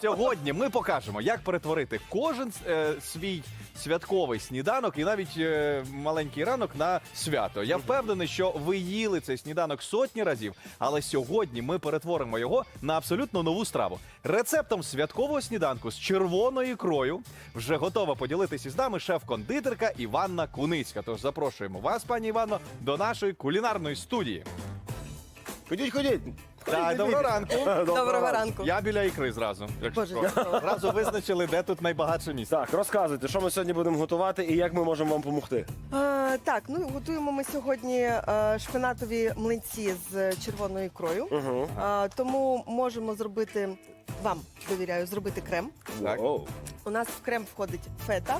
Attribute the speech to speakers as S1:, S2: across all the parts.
S1: Сьогодні ми покажемо, як перетворити кожен свій святковий сніданок і навіть маленький ранок на свято. Я впевнений, що ви їли цей сніданок сотні разів, але сьогодні ми перетворимо його на абсолютно нову страву. Рецептом святкового сніданку з червоною ікрою вже готова поділитися з нами шеф-кондитерка Іванна Куницька. Тож запрошуємо вас, пані Іванно, до нашої кулінарної студії.
S2: Ходіть.
S1: Так, доброго ранку.
S3: Доброго ранку.
S1: Я біля ікри зразу.
S3: Боже,
S1: Зразу визначили, де тут найбагатше місце.
S2: Так, розказуйте, що ми сьогодні будемо готувати і як ми можемо вам допомогти.
S3: Так, ну готуємо ми сьогодні шпинатові млинці з червоною ікрою.
S2: Угу.
S3: Тому можемо зробити, вам довіряю, зробити крем.
S1: Так.
S3: У нас в крем входить фета,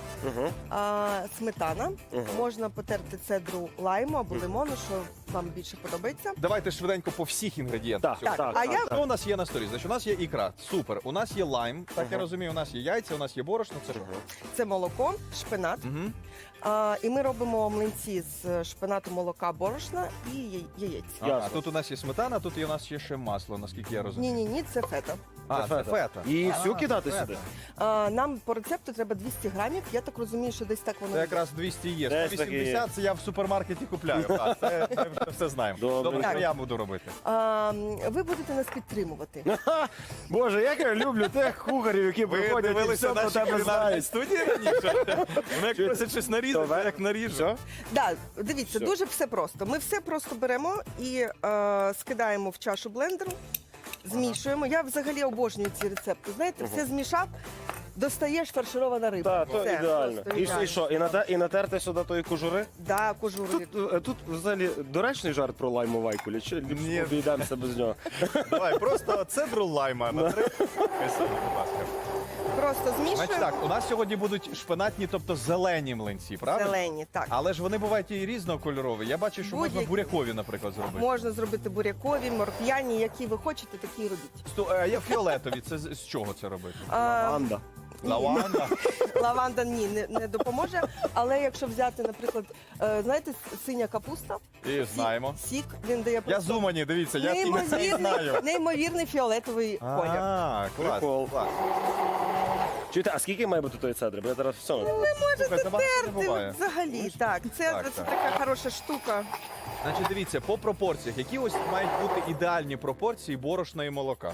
S3: сметана. Можна потерти цедру лайму або лимону, що вам більше подобається.
S1: Давайте швиденько по всіх інгредієнтах.
S2: Так,
S1: сьогодні.
S2: так,
S3: а я-
S1: Що у нас є на столі? Значить, у нас є ікра. Супер. У нас є лайм, так я розумію, у нас є яйця, у нас є борошно. Це що?
S3: Це молоко, шпинат.
S1: Мгм.
S3: І ми робимо млинці з шпинату, молока, борошна і яєць.
S1: Ага,
S2: Ясно.
S1: тут у нас є сметана, тут у нас є ще масло, наскільки я розумію.
S3: Ні, це фета.
S1: А, це фета.
S2: І всю кидати
S1: фета.
S2: сюди?
S3: Нам по рецепту треба 200 грамів. Я так розумію, що десь так воно
S1: Це
S3: і
S1: якраз 200 є.
S2: Десь
S1: 180 це я в супермаркеті купляю. Так, це ми вже все знаємо.
S2: Добре.
S1: Добре, що
S3: Так.
S1: я буду робити.
S3: Ви будете нас підтримувати.
S2: Боже, як я люблю тих кухарів, які приходять і все про тебе знають.
S1: студії раніше? Вони як просять щось нарізати,
S2: Добре.
S1: як наріжу.
S2: Все?
S3: Да, дивіться,
S2: Все.
S3: дуже все просто. Ми все просто беремо і скидаємо в чашу блендеру, змішуємо. Я взагалі обожнюю ці рецепти. Знаєте, все змішав, достаєш фарширована риба.
S2: Так, то
S3: Все,
S2: ідеально.
S3: просто
S2: І
S3: ідеально.
S2: що, і натерти сюди тої кожури?
S3: Да, кожуру.
S2: Тут взагалі доречний жарт про лайму вайкулі, чи
S1: Ні.
S2: обійдемося без нього?
S1: Давай, просто цедру лайма на 3. Будь ласка.
S3: Просто
S1: Значить
S3: змішуємо.
S1: так, у нас сьогодні будуть шпинатні, тобто зелені млинці, правда?
S3: Зелені, так.
S1: Але ж вони бувають і різнокольорові. Я бачу, що можна
S3: Будь-які.
S1: бурякові, наприклад, зробити.
S3: Можна зробити бурякові, морквяні, які ви хочете, такі і робіть.
S1: Є фіолетові. Це з чого це робити?
S2: Анда.
S1: Лаванда.
S3: Лаванда не допоможе. Але якщо взяти, наприклад, знаєте, синя капуста,
S1: І знаємо.
S3: сік, він дає
S1: Я
S3: просто
S1: з Умані, дивіться, я і це і знаю.
S3: неймовірний фіолетовий колір.
S1: А, клас.
S2: Прикол.
S1: клас.
S2: Чуєте, а скільки має бути тої цедри? Бо я зараз все.
S1: Слухайте, багато не
S3: Ти
S1: буває.
S3: взагалі, так. Це
S1: Так, так.
S3: така хороша штука.
S1: Значить, дивіться, по пропорціях, які ось мають бути ідеальні пропорції борошна і молока.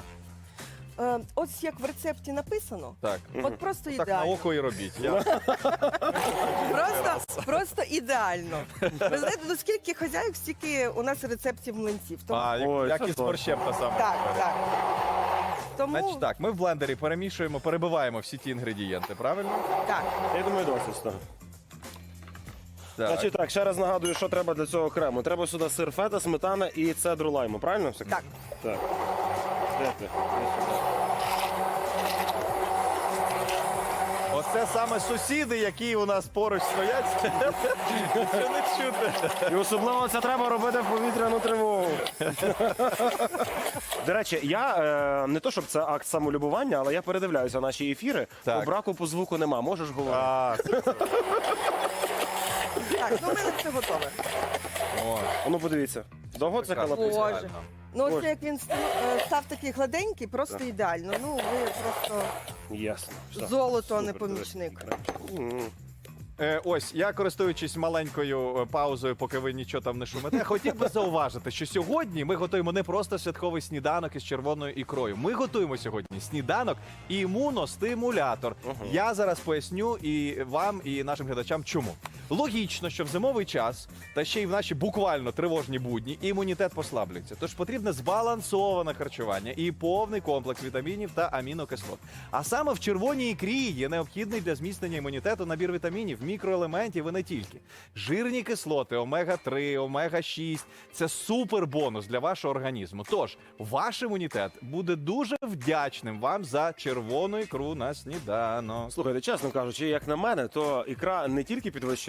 S3: Ось як в рецепті написано.
S1: Так.
S3: От просто
S1: Так на
S3: ідеально.
S1: око і робіть. Я...
S3: Просто ідеально. Ви знаєте, ну скільки хазяїв, стільки у нас рецептів млинців. Тому,
S1: А,
S2: Ой,
S1: як
S2: це
S1: і з
S2: точно.
S1: борщем та сама.
S3: так,
S1: історія.
S3: так. Тому
S1: Значить так, ми в блендері перемішуємо, перебиваємо всі ті інгредієнти, правильно?
S3: так.
S2: Я думаю, досить з того.
S1: Так.
S2: Значить так, ще раз нагадую, що треба для цього крему. Треба сюди сир фета, сметана і цедру лайму, правильно? все?
S3: Так.
S2: Так. Де ти? Де сюди.
S1: Оце саме сусіди, які у нас поруч стоять. Що не чути.
S2: І особливо це треба робити в повітряну тривогу. До речі, я не то щоб це акт самолюбування, але я передивляюся наші ефіри.
S1: Так.
S2: По браку по звуку нема. Можеш говорити?
S3: Так, ну в мене все готове.
S1: О,
S2: А ну подивіться. Довго це
S1: прекрасно.
S2: халапусь?
S3: Боже. Ну ось
S2: Боже.
S3: як він став такий гладенький, просто ідеально. Ну ви просто
S2: Ясно. Все.
S3: золото, а не
S2: Супер,
S3: помічник.
S2: М.
S1: Ось, я користуючись маленькою паузою, поки ви нічого там не шумите, хотів би зауважити, що сьогодні ми готуємо не просто святковий сніданок із червоною ікрою. Ми готуємо сьогодні сніданок імуностимулятор. Я зараз поясню і вам, і нашим глядачам, чому. Логічно, що в зимовий час, та ще й в наші буквально тривожні будні, імунітет послаблюється. Тож потрібне збалансоване харчування і повний комплекс вітамінів та амінокислот. А саме в червоній ікрі є необхідний для зміцнення імунітету набір вітамінів, мікроелементів і не тільки. Жирні кислоти, омега-3, омега-6 – це супер бонус для вашого організму. Тож, ваш імунітет буде дуже вдячним вам за червону ікру на сніданок.
S2: Слухайте, чесно кажучи, як на мене, то ікра не тільки підвищує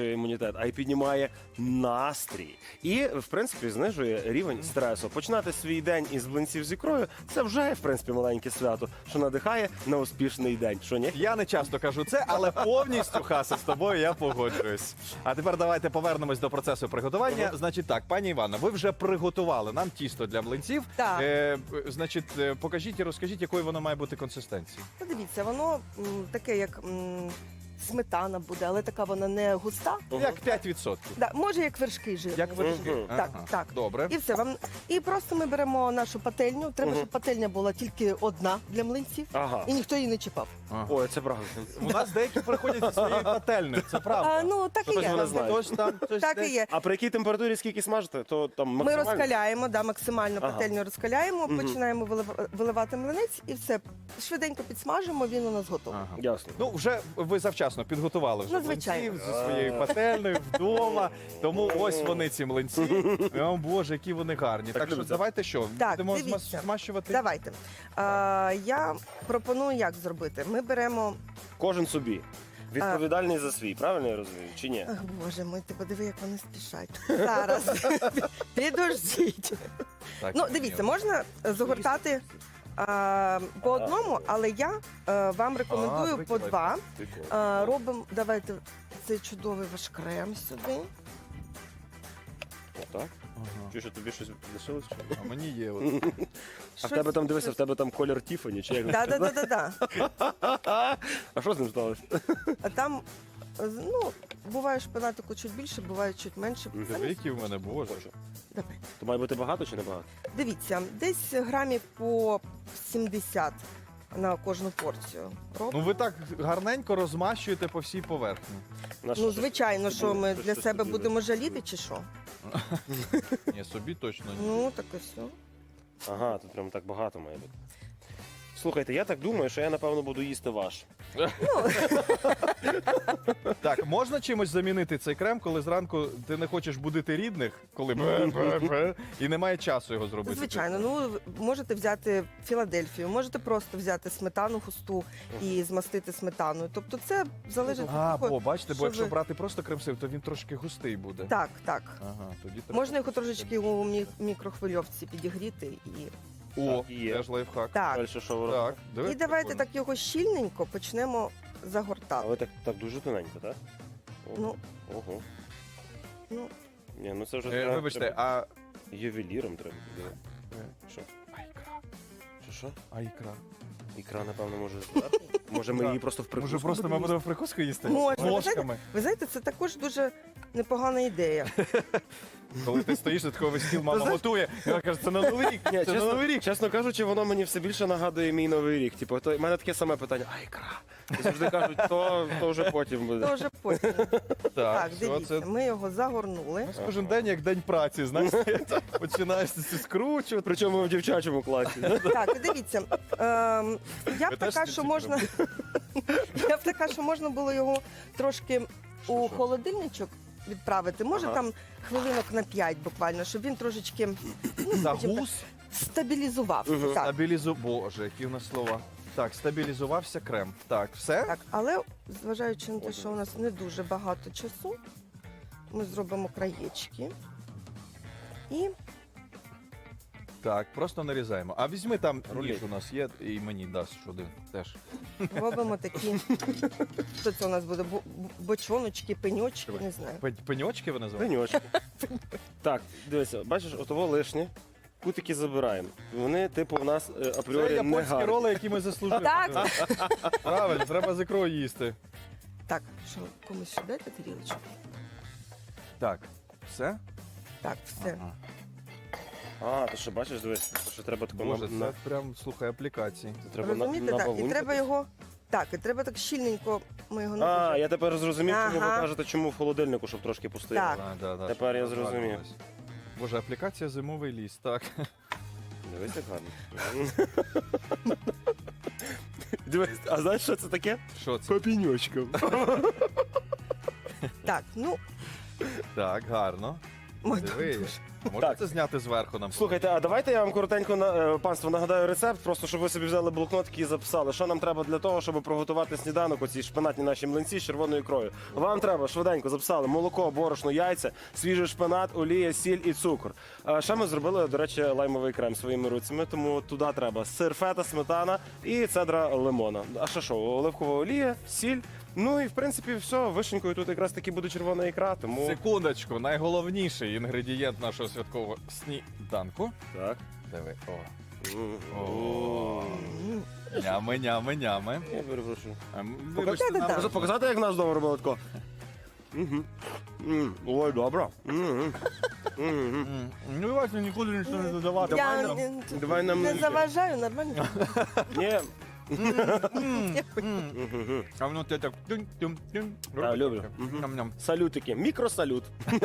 S2: підвищує імунітет, а й піднімає настрій. І, в принципі, знижує рівень стресу. Починати свій день із блинців з ікрою – це вже, в принципі, маленьке свято, що надихає на успішний день. Що, ні?
S1: Я не часто кажу це, але повністю, Хаса, з тобою я погоджуюсь. А тепер давайте повернемось до процесу приготування. Значить так, пані Івана, ви вже приготували нам тісто для млинців.
S3: Так.
S1: Значить, покажіть і розкажіть, якою воно має бути консистенції.
S3: Подивіться, воно таке, як сметана буде, але така вона не густа.
S1: Як 5%.
S3: Да, може, як вершки жирні.
S1: Як вершки.
S2: Мгм.
S3: Так,
S1: Ага.
S3: так.
S1: Добре.
S3: І все вам. І просто ми беремо нашу пательню. Треба, щоб пательня була тільки одна для млинців,
S2: Ага.
S3: і ніхто її не чіпав.
S1: Ага.
S2: Ой, це правда.
S1: У нас деякі приходять зі своєю пательнею, це правда.
S3: Ну, так і
S2: Хтось
S3: є.
S2: мене знає.
S1: Хтось там, хтось
S3: Так і
S1: десь.
S3: є.
S2: А при якій температурі скільки смажите, то там
S3: Ми
S2: максимально?
S3: розкаляємо, да, максимально
S2: Ага.
S3: пательню розкаляємо, починаємо виливати млинець і все. Швиденько підсмажимо, він у нас готовий.
S1: Ага.
S2: Ясно.
S1: Ну, вже ви завчасно підготували вже
S3: Ну, звичайно.
S1: млинців зі своєю пательнею вдома. Тому ось вони ці млинці. О, Боже, які вони гарні. Так що
S2: любиться.
S1: давайте що,
S3: Так,
S1: будемо
S3: дивіться.
S1: змащувати?
S3: Давайте. Я пропоную, як зробити. Ми беремо.
S2: Кожен собі. Відповідальний за свій, правильно я розумію? Чи ні?
S3: Ах, Боже мой, ти подиви, як вони спішать. Зараз. Підождіть.
S1: Так,
S3: Ну, дивіться, можна загортати по одному, але я вам рекомендую по
S1: прикольно.
S3: два.
S2: Прикольно.
S3: Робимо, давайте цей чудовий ваш крем сюди.
S2: Отак.
S1: Ага.
S2: Чи що тобі щось лишилось? Чи ні?
S1: А мені є. От.
S2: А в тебе там, дивися, в тебе там колір Тіфані, чи як?
S3: Да.
S2: А що з ним сталося?
S3: А там, ну, буває шпинатику чуть більше, буває чуть менше.
S1: Диви, які в мене, Боже.
S3: Давай.
S2: То має бути багато чи не багато?
S3: Дивіться, десь грамів по 70 на кожну порцію.
S1: Ну ви так гарненько розмащуєте по всій поверхні.
S3: Ну, звичайно, що ми
S2: Щось
S3: для
S2: собі
S3: себе
S2: вибрати.
S3: будемо жаліти, чи що?
S1: Ні, собі точно ні.
S3: Ну, так і все.
S2: Ага, тут прям так багато має бути. Слухайте, я так думаю, що я напевно буду їсти ваш.
S1: Так, можна чимось замінити цей крем, коли зранку ти не хочеш будити рідних, коли бе-бе-бе, і немає часу його зробити.
S3: Звичайно, ну можете взяти Філадельфію, можете просто взяти сметану густу і змастити сметаною. Тобто це залежить від
S1: А,
S3: того.
S1: бо бачите, бо
S3: що
S1: якщо
S3: ви-
S1: брати просто крем-сив, то він трошки густий буде.
S3: Так, так.
S1: Ага, тоді треба.
S3: Можна його трошечки у мікрохвильовці підігріти і.
S1: О,
S2: Так, є.
S1: теж лайфхак.
S3: Так.
S2: Далі що ви
S1: Так,
S2: робите?
S1: диви,
S3: І давайте
S1: прикольно.
S3: так його щільненько почнемо загортати.
S2: Але так дуже тоненько, так?
S3: Ну,
S2: Ого.
S3: ну,
S2: Ні, ну це вже
S1: Вибачте,
S2: треба
S1: а...
S2: ювеліром треба. Що?
S1: А ікра?
S2: Що?
S1: А ікра?
S2: Ікра, напевно, може зверху? Може ми
S1: Так.
S2: її просто в прикуску
S1: Може просто ми
S2: будемо
S1: будемо в прикуску їсти?
S3: Можна.
S1: Ложками.
S3: ви знаєте, це також дуже непогана ідея.
S1: Коли ти стоїш, за такий стіл мама
S3: знаєш-
S1: готує, і вона каже, це на Новий рік,
S2: Ні,
S1: це на Новий рік.
S2: чесно кажучи, воно мені все більше нагадує мій новий рік. Типу, то в мене таке саме питання: а ікра? І завжди кажуть, то вже потім буде.
S3: Дуже потім. Так,
S1: все,
S3: дивіться,
S1: це
S3: ми його загорнули.
S1: у нас кожен день як день праці, знаєш, починаєш це скручувати.
S2: Причому в дівчачому класі.
S3: Так, і дивіться. Я
S1: Ви
S3: б
S1: теж
S3: така,
S1: ці
S3: що
S1: ці
S3: можна. Я б така, що можна було його трошки у
S1: Що?
S3: холодильничок відправити. Може
S2: Ага.
S3: там хвилинок на 5 буквально, щоб він трошечки скажімо так,
S1: Загус,
S3: стабілізувався.
S2: Мгм.
S3: Так,
S1: Боже, які в нас слова. Так, стабілізувався крем. Так, все?
S3: так. Але зважаючи на те, що у нас не дуже багато часу, ми зробимо краєчки. І
S1: Так, просто нарізаємо. А візьми там
S2: Рулет.
S1: ніж у нас є, і мені дасть один теж.
S3: робимо такі. Що це у нас буде? Бочоночки, пеньочки, не знаю.
S1: Пеньочки ви називаєте?
S2: Пеньочки. Так, дивися, бачиш, отого лишнє. Кутики забираємо. Вони, типу, в нас
S1: Це
S2: апріорі не
S1: японські
S2: гарні.
S1: роли, які ми заслужили.
S3: Так.
S1: Правильно, треба з ікрою їсти.
S3: Так, що комусь ще дайте тарілочку?
S1: Так, все?
S3: Так, все.
S1: Ага.
S2: А, то що, бачиш, дивись, то що треба тако
S1: Боже,
S2: на...
S1: це прям, слухай, аплікації.
S2: Треба
S3: Розумієте, так? І
S2: бавуньку
S3: треба
S2: десь.
S3: його. Так, і треба так щільненько. Ми його не
S2: А,
S3: дуже-
S2: я тепер зрозумів, чому ви
S3: Ага.
S2: кажете, чому в холодильнику, щоб трошки пустити.
S3: Так.
S1: Да,
S2: Тепер я
S1: щоб
S2: зрозумів.
S1: розрадувались. Боже, аплікація зимовий ліс, так.
S2: Дивись, як гарно. Дивись, а знаєш, що це таке?
S1: Що це?
S2: Папіньочка.
S3: Так, ну,
S1: Так, гарно.
S3: ми
S1: Диви.
S3: дуже.
S1: Можете зняти зверху нам?
S2: Слухайте, а давайте я вам коротенько, панство, нагадаю рецепт, просто щоб ви собі взяли блокнотики і записали, що нам треба для того, щоб приготувати сніданок, оці шпинатні наші млинці з червоною ікрою. Вам треба швиденько записали молоко, борошно, яйця, свіжий шпинат, олія, сіль і цукор. А ще ми зробили, до речі, лаймовий крем своїми руцями, тому туди треба сир, фета, сметана і цедра лимона. А ще що, оливкова олія, сіль. Ну і в принципі все, вишенькою тут якраз таки буде червона ікра, тому...
S1: Секундочку, найголовніший інгредієнт нашого святкового сніданку.
S2: Так.
S1: Диви, о. Нями, нями, нями.
S2: Я перепрошую.
S1: Вибачте,
S3: Покажи,
S1: нам-
S3: да.
S2: Показати, як нас вдома робили тако? Ой, добре.
S1: Ну, Вася, нікуди нічого не додавати.
S3: Я
S2: Давай нам
S3: не
S2: млинці.
S3: заважаю, нормально.
S2: Ні,
S1: А воно те так тюнь-тюнь-тюнь.
S2: А, люблю.
S1: Ням-ням.
S2: салютики, мікросалют.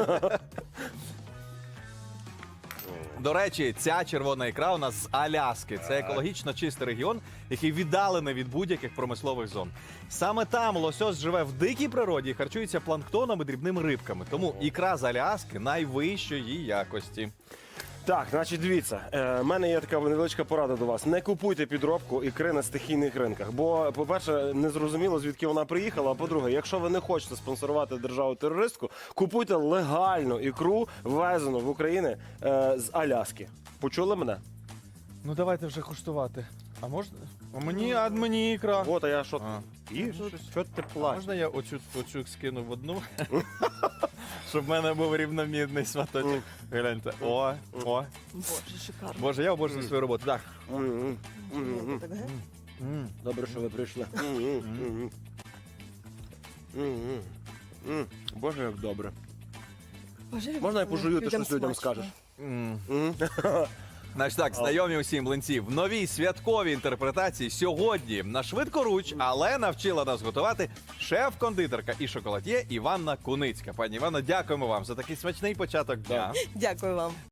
S1: До речі, ця червона ікра у нас з Аляски. Це екологічно чистий регіон, який віддалений від будь-яких промислових зон. Саме там лосось живе в дикій природі і харчується планктоном і дрібними рибками. Тому ікра з Аляски найвищої якості.
S2: Так, значить, дивіться, в мене є така невеличка порада до вас. Не купуйте підробку ікри на стихійних ринках. Бо, по-перше, не зрозуміло, звідки вона приїхала. А по-друге, якщо ви не хочете спонсорувати державу-терористку, купуйте легальну ікру, ввезену в Україну з Аляски. Почули мене?
S1: Ну давайте вже куштувати. А можна? А мені ікра.
S2: От, а я що?
S1: А.
S2: І що ти плачеш?
S1: Можна я оцю скину в одну? Щоб в мене був рівномірний сваточок. Гляньте. О.
S3: Боже, шикарно.
S1: Боже, я обожнюю свою роботу. Так.
S3: Так, га?
S2: Добре, що ви прийшли. Боже, як добре.
S3: Боже,
S2: Можна я пожую, ти
S3: людям
S2: щось людям
S3: смачно.
S2: скажеш?
S1: Значить так, знайомі усім млинці в новій святковій інтерпретації сьогодні на швидкоруч, але навчила нас готувати шеф-кондитерка і шоколад'є Іванна Куницька. Пані Іванна, дякуємо вам за такий смачний початок дня.
S3: Дякую вам.